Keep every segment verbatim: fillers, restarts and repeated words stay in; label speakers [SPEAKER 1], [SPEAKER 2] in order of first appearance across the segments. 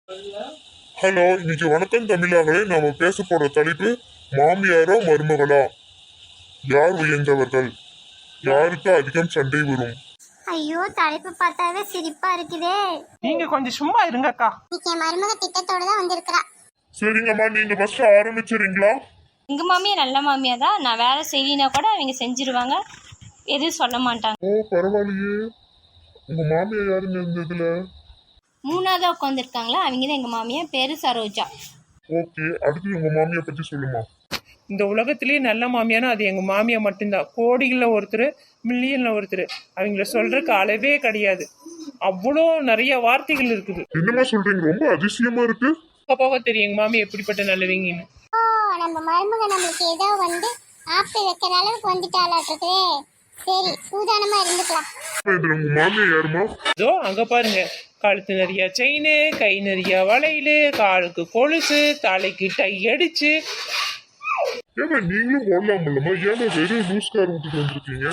[SPEAKER 1] Hello, இன்னைக்கு வணக்கம் தமிழாங்களே. நாம பேச போற தலைப்பு மாமியாரா மருமகளா, யார் உயர்ந்தவர்கள், யாருக்கு அதிகம் சண்டை வரும்.
[SPEAKER 2] ஐயோ, தலைப்பு பார்த்தாவே சிரிப்பா இருக்குதே.
[SPEAKER 3] நீங்க கொஞ்சம் சும்மா இருங்கக்கா.
[SPEAKER 2] இன்னைக்கு என் மருமக திட்டத்தோட தான் வந்திருக்கிறா.
[SPEAKER 1] சரிங்கம்மா, நீங்க ஃபர்ஸ்ட் ஆரம்பிச்சிருங்களா?
[SPEAKER 4] எங்க மாமியா நல்ல மாமியா தான். நான் வேலை செய்யினா கூட அவங்க செஞ்சிருவாங்க, எதுவும் சொல்ல மாட்டாங்க.
[SPEAKER 1] ஓ பரவாயில்லையே. உங்க மாமியா யாருங்க இந்த இதுல?
[SPEAKER 4] மூணாவதா உட்காந்துருக்காங்களா, அவங்க தான் எங்க மாமியா. பேரு சரோஜா.
[SPEAKER 1] ஓகே, அடுத்து உங்க மாமியா பத்தி சொல்லுமா.
[SPEAKER 3] இந்த உலகத்திலேயே நல்ல மாமியானா அது எங்க மாமியா மட்டும்தான். கோடிகளில் ஒருத்தர், மில்லியன்ல ஒருத்தர். அவங்கள சொல்றதுக்கு அளவே கிடையாது. அவ்வளோ நிறைய வார்த்தைகள் இருக்குது.
[SPEAKER 1] என்னமா சொல்றீங்க? ரொம்ப அதிசயமா இருக்கு.
[SPEAKER 3] போக தெரியும் எங்க மாமியா எப்படிப்பட்ட நல்லவங்கன்னு.
[SPEAKER 2] ஓ, நம்ம மருமக நம்மளுக்கு ஏதோ வந்து ஆப்பு வைக்கிற அளவுக்கு வந்துட்டாலாட்டுருக்கு. சரி, சூதானமா இருந்துக்கலாம்.
[SPEAKER 1] இதுல உங்க மாமியா யாருமா?
[SPEAKER 3] இதோ அங்க பாருங்க, கழுத்து நிறைய செயின், கை நிறைய வளையல், காலுக்கு கொலுசு, தலைக்கு டை அடிச்சு.
[SPEAKER 1] ஏமா நீங்களும் ஓடலாம் இல்லம்மா? ஏமா வெறும் லூஸ் கார் விட்டுட்டு வந்திருக்கீங்க?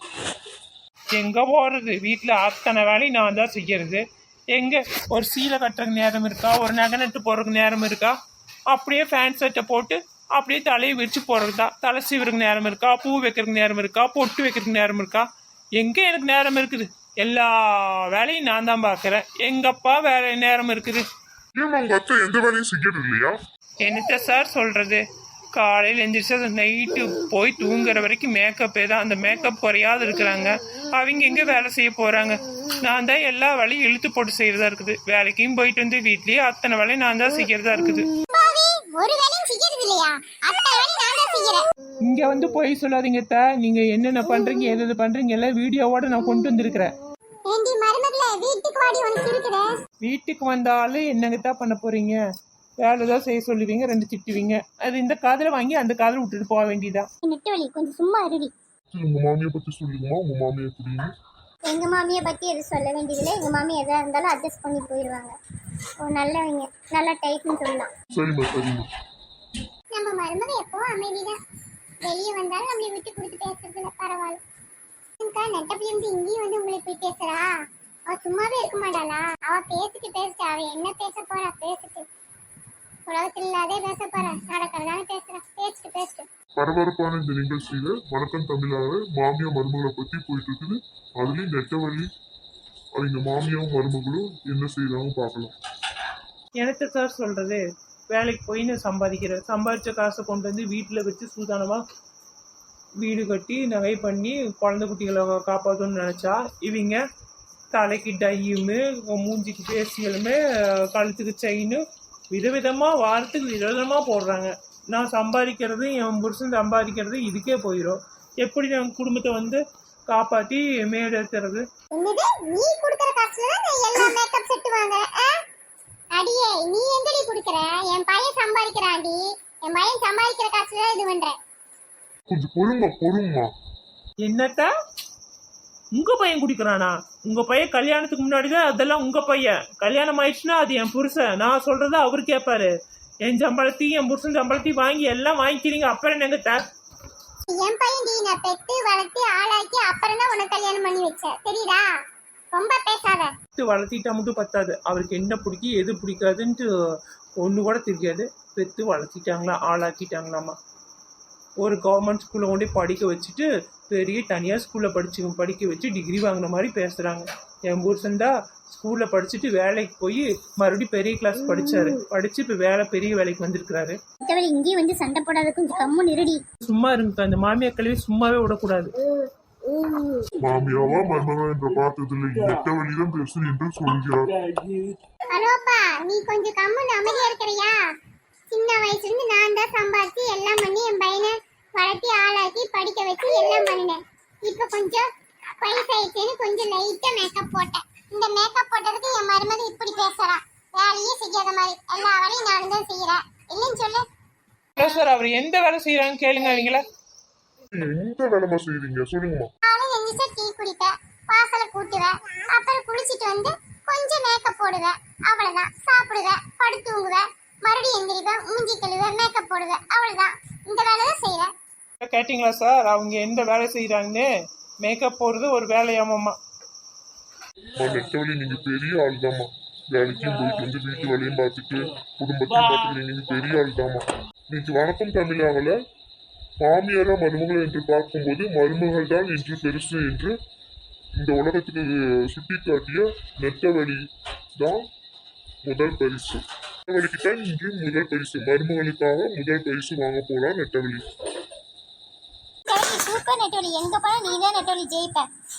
[SPEAKER 3] எங்க போறது, வீட்டுல அத்தனை வேலையும் நான் தான் செய்யறது. எங்க ஒரு சீலை கட்டுறதுக்கு நேரம் இருக்கா, ஒரு நகை நட்டு போறதுக்கு நேரம் இருக்கா? அப்படியே ஃபேன் சட்டை போட்டு அப்படியே தலையை வச்சு போறது தான். தலை சீவுறதுக்கு நேரம் இருக்கா, பூ வைக்கிறதுக்கு நேரம் இருக்கா, பொட்டு வைக்கிறதுக்கு நேரம் இருக்கா? எங்க எனக்கு நேரம் இருக்குது? எல்லா வேலையும் நான் தான் பாக்குறேன். எங்கப்பா வேலை நேரம் இருக்குது?
[SPEAKER 1] ஏமா உங்க அத்தை எந்த வேலையும் செய்யறது இல்லையா?
[SPEAKER 3] என்னத்த சார் சொல்றது, காலையில் எந்திரிச்சா நைட்டு போய் தூங்குற வரைக்கும் மேக்கப்பே தான். அந்த மேக்கப் குறையாத இருக்கிறாங்க. அவங்க எங்கே வேலை செய்ய போகிறாங்க? நான் தான் எல்லா வேலையும் இழுத்து போட்டு செய்கிறதா இருக்குது. வேலைக்கும் போயிட்டு வந்து வீட்லேயே அத்தனை வேலையும் நான் தான் செய்கிறதா இருக்குது.
[SPEAKER 2] ஒரு வேலையும் செய்யறது இல்லையா? அத்தனை வேலையும் நான் தான் செய்யறேன்.
[SPEAKER 3] இங்கே வந்து போய் சொல்லாதீங்க தா. நீங்கள் என்னென்ன பண்ணுறீங்க, எது எது பண்ணுறீங்க எல்லாம் வீடியோவோட நான் கொண்டு வந்திருக்கிறேன்.
[SPEAKER 2] ஏண்டி மருமகளே, வீட்டுக்கு வாடி, உனக்கு இருக்குதே.
[SPEAKER 3] வீட்டுக்கு வந்தாலும் என்னங்கத்தான் பண்ண போகிறீங்க? வேலை தான் செய்ய சொல்லுவீங்க, ரெண்டு திட்டுவீங்க. அது இந்த காதில் வாங்கி அந்த காதில் விட்டுட்டு போக வேண்டியதான்.
[SPEAKER 2] நெட்டவழி, கொஞ்சம் சும்மா இருடி.
[SPEAKER 1] உங்க மாமியை பத்தி சொல்லுங்கம்மா. உங்க மாமியை எப்படின்னு?
[SPEAKER 2] எங்க மாமியை பத்தி எது சொல்ல வேண்டியதில்லை. எங்க மாமி எதா இருந்தாலும் அட்ஜஸ்ட் பண்ணி போயிடுவாங்க. ஓ, நல்லவங்க, நல்ல டைப்னு சொல்லலாம்.
[SPEAKER 1] சரிம்மா சரிம்மா.
[SPEAKER 2] நம்ம மருமக எப்பவும் அமைதிதான். வெளியே வந்தாலும் நம்மளை விட்டு கொடுத்து பேசுறதுல பரவாயில்ல. நெட்டப்பள்ளி வந்து இங்கேயும் வந்து உங்களை போய் பேசுறா. அவ சும்மாவே இருக்க மாட்டாளா? அவ பேசிட்டு பேசிட்டு அவ என்ன பேச போறா? பேசிட்டு உலகத்தில் இல்லாதே பேச போறா. நடக்கிறதானே பேசுறா. பேசிட்டு பேசிட்டு
[SPEAKER 1] பரபரப்பான இந்த நிகழ்ச்சியில வணக்கம் தமிழாக மாமியா மருமகளை பத்தி போயிட்டு இருக்குது. அதுலயும் நெட்டவழி அவங்க மாமியாவும் மருமகளும் என்ன செய்யறாங்க பார்க்கலாம்.
[SPEAKER 3] எனக்கு சார் சொல்றது, வேலைக்கு போய் நான் சம்பாதிக்கிறேன். சம்பாதிச்ச காசை கொண்டு வந்து வீட்டில் வச்சு சூதானமாக வீடு கட்டி நகை பண்ணி குழந்தை குட்டிகளை காப்பாற்றணும்னு நினச்சா இவங்க தலைக்கு டையுமே, மூஞ்சிக்கு பேசியலுமே, கழுத்துக்கு செயின்னு விதவிதமாக வாரத்துக்கு விதவிதமாக போடுறாங்க. நான் சம்பாதிக்கிறது, என் புருஷன் சம்பாதிக்கிறது இதுக்கே போயிடும். எப்படி நான் குடும்பத்தை வந்து காப்பாற்றி மேலேற்றுறது?
[SPEAKER 2] என்னது, நீ கொடுக்கிற காசுல தான் எல்லா மேக்கப் செட் வாங்குறேன். அடியே, நீ எங்கடி கொடுக்கிற? என் பையன் சம்பாதிக்கிறான்டி. என் பையன் சம்பாதிக்கிற காசுல இது பண்றேன்.
[SPEAKER 1] கொஞ்சம் பொறுங்க பொறுங்கம்மா.
[SPEAKER 3] என்னத்தா உங்க பையன் குடிக்கிறானா? உங்க பையன் கல்யாணத்துக்கு முன்னாடிதான் அதெல்லாம் உங்க பையன். கல்யாணம் ஆயிடுச்சுன்னா அது என் புருஷன். நான் சொல்றத அவரு கேட்பாரு. என் சம்பளத்தையும் என் புருஷன் சம்பளத்தையும் வாங்கி எல்லாம் வாங்கிக்கிறீங்க. அப்புறம் என்னங்கத்தா?
[SPEAKER 2] என் பையன் டி, நான் பெத்து வளர்த்து ஆளாக்கி அப்புறம் தான் உனக்கு கல்யாணம் பண்ணி வச்சேன். தெரியுதா? ரொம்ப பேசாத.
[SPEAKER 3] வளர்த்திட்டா மட்டும் பத்தாது, அவருக்கு என்ன பிடிக்கும் எது பிடிக்காதுன்ட்டு ஒன்று கூட தெரியாது. பெத்து வளர்த்திட்டாங்களா, ஆளாக்கிட்டாங்களாமா. ஒரு கவர்மெண்ட் ஸ்கூலில் கொண்டு படிக்க வச்சுட்டு பெரிய தனியார் ஸ்கூலில் படிச்சு படிக்க வச்சு டிகிரி வாங்கின மாதிரி பேசுகிறாங்க. என் புருஷன் தான் ஸ்கூலில் படிச்சுட்டு வேலைக்கு போய் மறுபடியும் பெரிய கிளாஸ் படித்தாரு. படித்து இப்போ வேலை பெரிய வேலைக்கு வந்திருக்கிறாரு.
[SPEAKER 2] இங்கேயும் வந்து சண்டை போடாத, கொஞ்சம் கம்முன்னு இருடி.
[SPEAKER 3] சும்மா இருங்க, அந்த மாமியார் கல்வி சும்மாவே விடக்கூடாது.
[SPEAKER 1] மாமியாவா மருமகா என்ற பார்த்ததில்லை, நெட்டவழிதான் பேசு என்று சொல்கிறார்.
[SPEAKER 2] ஹலோப்பா, நீ கொஞ்சம் கம்முன்னு அமைதியா இருக்கிறியா? சின்ன வயசுல இருந்து நான் தான் சம்பாதிச்சு எல்லாம் பண்ணி என் பையனை வளர்த்தி ஆளாக்கி படிக்க வச்சு எல்லாம் பண்ணினேன். இப்ப கொஞ்சம் வயசாயிடுச்சுன்னு கொஞ்சம் லைட்டா மேக்கப் போட்டேன். இந்த மேக்கப் போட்டதுக்கு என் மருமக இப்படி பேசுறா. வேலையே செய்யாத மாதிரி எல்லா வேலையும் நானும் தான் செய்யறேன். இல்லைன்னு சொல்லு.
[SPEAKER 3] சார், அவர் எந்த வேலை செய்யறாங்கன்னு கேளுங்க. அவங்கள
[SPEAKER 1] எந்த வேலைமா செய்றீங்க சொல்லுங்கம்மா.
[SPEAKER 2] காலையில எந்திரிச்சா டீ குடிப்பேன், வாசலை கூட்டுவேன், அப்புறம் குளிச்சுட்டு வந்து கொஞ்சம் மேக்கப் போடுவேன். அவ்வளவுதான். சாப்பிடுவேன், படுத்து தூங்குவேன், மறுபடியும் எந்திரிப்பேன், மூஞ்சி கழுவேன், மேக்கப் போடுவேன். அவ்வளவுதான். இந்த வேலை தான் செய்யறேன்.
[SPEAKER 3] கேட்டீங்களா சார், அவங்க எந்த வேலை செய்யறாங்கன்னு? மேக்கப் போடுறது ஒரு வேலையாமம்மா.
[SPEAKER 1] நெட்டவழி நீங்க பெரிய ஆள் தாம்மா. வேலைக்கும் போயிட்டு வந்து வீட்டு வேலையும் பார்த்துட்டு குடும்பத்தையும் பார்த்துட்டு நீங்க பெரிய ஆள் தாமா. இன்னைக்கு வணக்கம் தமிழாகல மாமியாரா மருமகள் என்று பார்க்கும்போது மருமகள் தான் என்று பெருசு என்று இந்த உலகத்துக்கு சுட்டி காட்டிய நெட்டவழி தான் முதல் பரிசு. நெட்டவழிக்கு தான் இன்று முதல் பரிசு. மருமகளுக்காக முதல் பரிசு வாங்க போலாம் நெட்டவழி.
[SPEAKER 2] சரி சூப்பர் நெட்டவழி, எங்க போனா நீ தான் நெட்டவழி ஜெயிப்ப.